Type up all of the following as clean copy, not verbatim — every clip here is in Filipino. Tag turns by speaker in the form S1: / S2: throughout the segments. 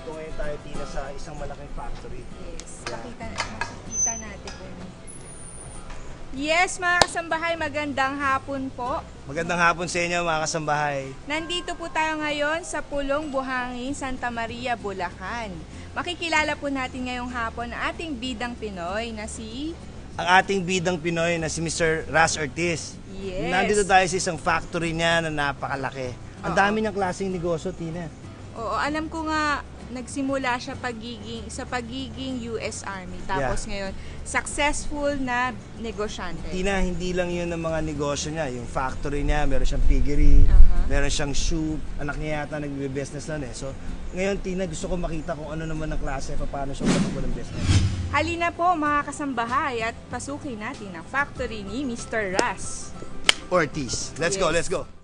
S1: nandito ngayon tayo, Tina, sa isang malaking factory.
S2: Yes, makikita natin kung... Yes, mga kasambahay, magandang hapon po.
S1: Magandang hapon sa inyo, mga kasambahay.
S2: Nandito po tayo ngayon sa Pulong Buhangin, Santa Maria, Bulacan. Makikilala po natin ngayong hapon ang ating bidang Pinoy na si...
S1: Ang ating bidang Pinoy na si Mr. Ras Ortiz.
S2: Yes.
S1: Nandito tayo sa isang factory niya na napakalaki. Ang dami ng klaseng negosyo, Tina.
S2: Oo, alam ko nga nagsimula siya sa pagiging US Army. Tapos ngayon, successful na negosyante.
S1: Tina, hindi lang yun ang mga negosyo niya. Yung factory niya, meron siyang piggery, meron siyang shoe. Anak niya yata nagbe-business na So, ngayon, Tina, gusto ko makita kung ano naman ang klase, paano siya matakbo ng business.
S2: Halina po mga kasambahay at pasukin natin ang factory ni Mr. Ras
S1: Ortiz. Let's go, let's go.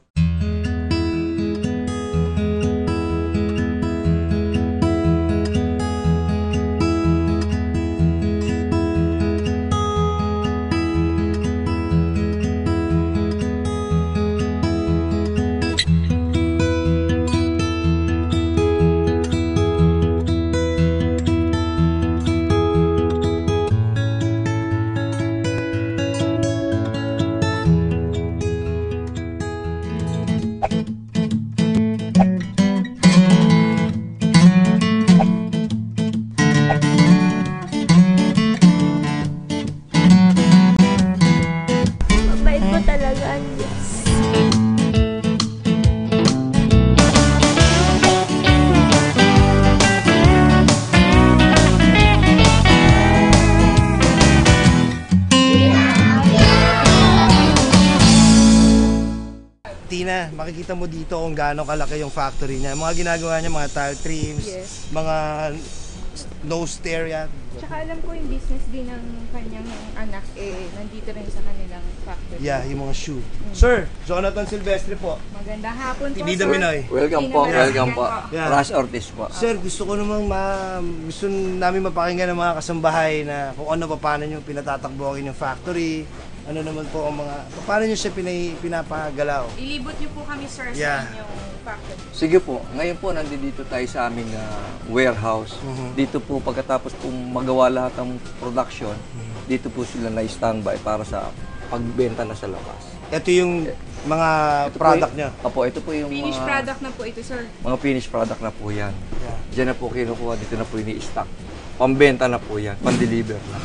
S1: Tina, makikita mo dito kung gaano kalaki yung factory niya. Mga ginagawa niya, mga tile trims, mga nose stair yan.
S2: Tsaka alam ko yung business din ng kanyang anak, nandito rin sa kanilang factory.
S1: Yeah, yung mga shoe. Sir, Jonathan Silvestre po.
S2: Magandang hapon po,
S1: Bida
S2: sir.
S1: Pinoy.
S3: Welcome po, welcome po.
S1: Yeah.
S3: Ras Ortiz po.
S1: Sir, gusto ko namang gusto namin mapakinggan ng mga kasambahay na kung ano, paano nyo pinatatakbuhin yung factory, ano naman po ang mga, paano nyo siya pinapagalaw?
S2: Ilibot niyo po kami, sir, sa inyong factory.
S3: Sige po, ngayon po nandito tayo sa aming warehouse. Dito po pagkatapos po magawa lahat ng production, dito po sila na-standby para sa pagbenta na sa labas.
S1: Ito yung mga product niya?
S3: Opo, ito po yung
S2: Finished product na po ito, sir.
S3: Mga finished product na po yan. Diyan na po kinukuha, dito na po ini-stock. Pambenta na po yan, pan-deliver na.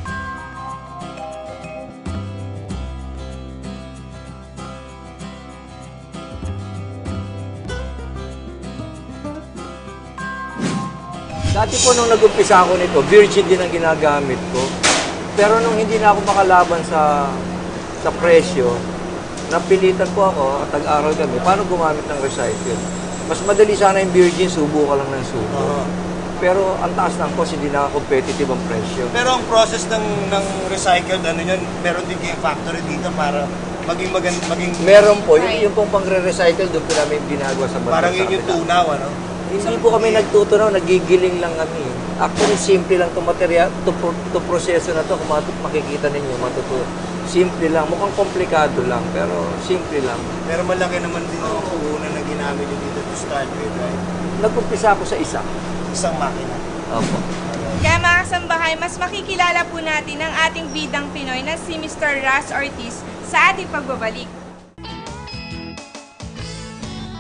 S3: Dati po nung nag-umpisa ako nito, virgin din ang ginagamit ko. Pero nung hindi na ako makalaban sa presyo, napilitan po ako at tag-aral kami, paano gumamit ng recycle. Mas madali sana yung virgin, subo ka lang ng subo. Pero ang taas ng cost, hindi na competitive ang presyo.
S1: Pero ang process ng recycled, ano yun, meron din kayong factory dito para maging
S3: meron po, yung pong pang-recycle, doon po namin ginagawa sa bansa.
S1: Parang yun yung tunaw, ano?
S3: Hindi po kami nagtutunaw, nagigiling lang kami. Actually, simple lang itong material, ito proseso na ito, kung makikita ninyo, simple lang, mukhang komplikado lang, pero simple lang.
S1: Pero malaki naman din ang puhunan na ginamit nyo dito to start with, right?
S3: Nag-umpisa ako sa isang
S1: makina.
S3: Opo.
S2: Kaya mga kasambahay, mas makikilala po natin ang ating bidang Pinoy na si Mr. Ras Ortiz sa ating pagbabalik.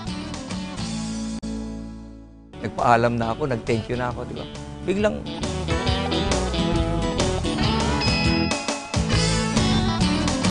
S3: Nagpaalam na ako, nag-thank you na ako, di ba? Biglang